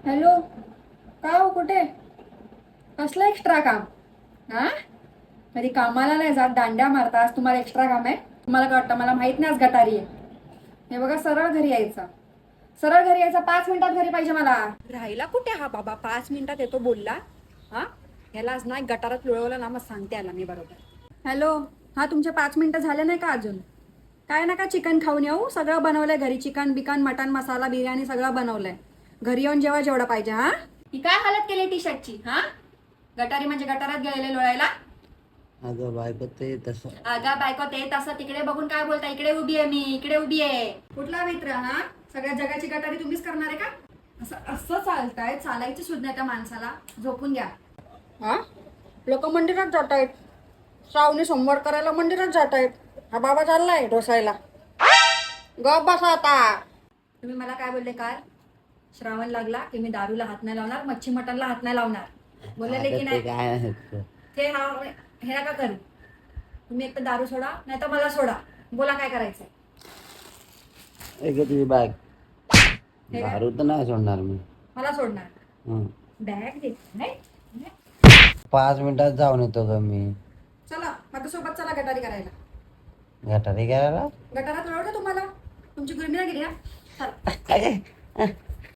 Hello. का हो कुठे? कसलं एक्स्ट्रा काम? हा, कधी कामाला नाही जात, दांड्या मारता, आज तुम्हाला एक्स्ट्रा काम आहे? तुम्हाला काय वाटतं मला माहित नाही आज गटारी आहे? हे बघा, सरळ घरी यायचं. सरळ घरी यायचं, 5 मिनिटात घरी पाहिजे मला. राहिला कुठे हा बाबा? 5 मिनिटात येतो बोलला. हा, ह्यालाच नाही गटारात लुळवलं ना, मग सांगते आला मी बरोबर. हॅलो. हा, तुमचे 5 मिनिटं झाले नाही का अजून? काय नका चिकन खाऊन येऊ, सगळं बनवलंय घरी. चिकन बिकन मटन मसाला बिर्याणी सगळं बनवलंय. घरी येऊन जेव्हा जेवढं पाहिजे. हा, ही काय हालत केली टी शर्टची? हा, गटारी म्हणजे गटारात गेलेले लोळायला? अगं बायको ते तसं. अगं बायको ते तसं तिकडे बघून काय बोलता? इकडे उभी आहे मी, इकडे उभी आहे. कुठला मित्र? हा, सगळ्या जगाची गटारी तुम्हीच करणार आहे का? असं असं चालताय, चालायची सुद्धा त्या माणसाला. झोपून घ्या. हा, लोक मंदिरात जात आहेत, श्रावणी सोमवार करायला मंदिरात जात आहेत. हा बाबा चाललाय ढोसायला. गप बसा आता. तुम्ही मला काय बोलले काल? श्रावण लागला की मी दारूला हात नाही लावणार, मच्छी मटनला हात नाही लावणार. बोलले की अगं ते नाही? काय आहे ते? ते हा, हे नका करू. तुम्ही एक तर दारू सोडा, नाही तर मला सोडा. बोला काय करायचंय? एक तुझी बॅग. हे काय? दारू तर नाही सोडणार मी. मला सोडणार? हं. बॅग देत नाही? नाही. 5 मिनिटात जाऊन येतो ग मी. चला माझ्यासोबत, चला गटारी करायला. गटारी करायला. गटारात आवडतं तुम्हाला? तुमची गुरमी ना गेली ना? चला. अरे,